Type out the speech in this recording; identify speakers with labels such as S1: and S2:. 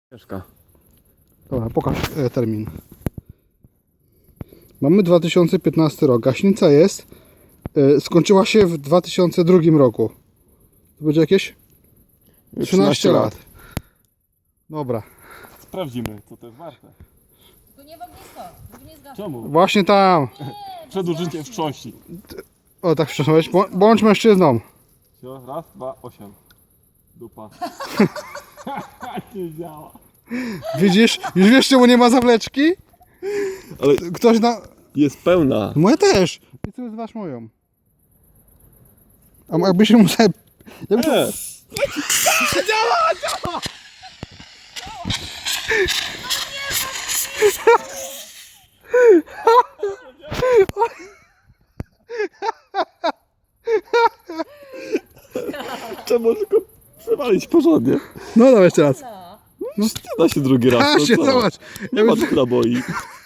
S1: Ciężka.
S2: Dobra, pokaż termin. Mamy 2015 rok. Gaśnica jest. Skończyła się w 2002 roku. To będzie jakieś 13 lat. Dobra.
S1: Sprawdzimy, co to jest warte.
S3: Tu nie w ognisko, tu nie zgasz.
S1: Czemu?
S2: Właśnie tam.
S1: Przed użyciem wstrząsi.
S2: O, tak wstrząsnąłeś. Bądź mężczyzną.
S1: Raz, dwa, 8. Dupa. Nie działa.
S2: Widzisz? Już wiesz, czemu nie ma zawleczki?
S1: Ale
S2: Ktoś na...
S1: jest pełna.
S2: Moja też. I ty zważ moją. A jakby się musiał...
S1: Trzeba tylko przewalić porządnie.
S2: No dawaj jeszcze raz.
S1: Nie da się drugi raz.
S2: A
S1: no
S2: się,
S1: co?
S2: zobacz.
S1: Nie ma tu naboi.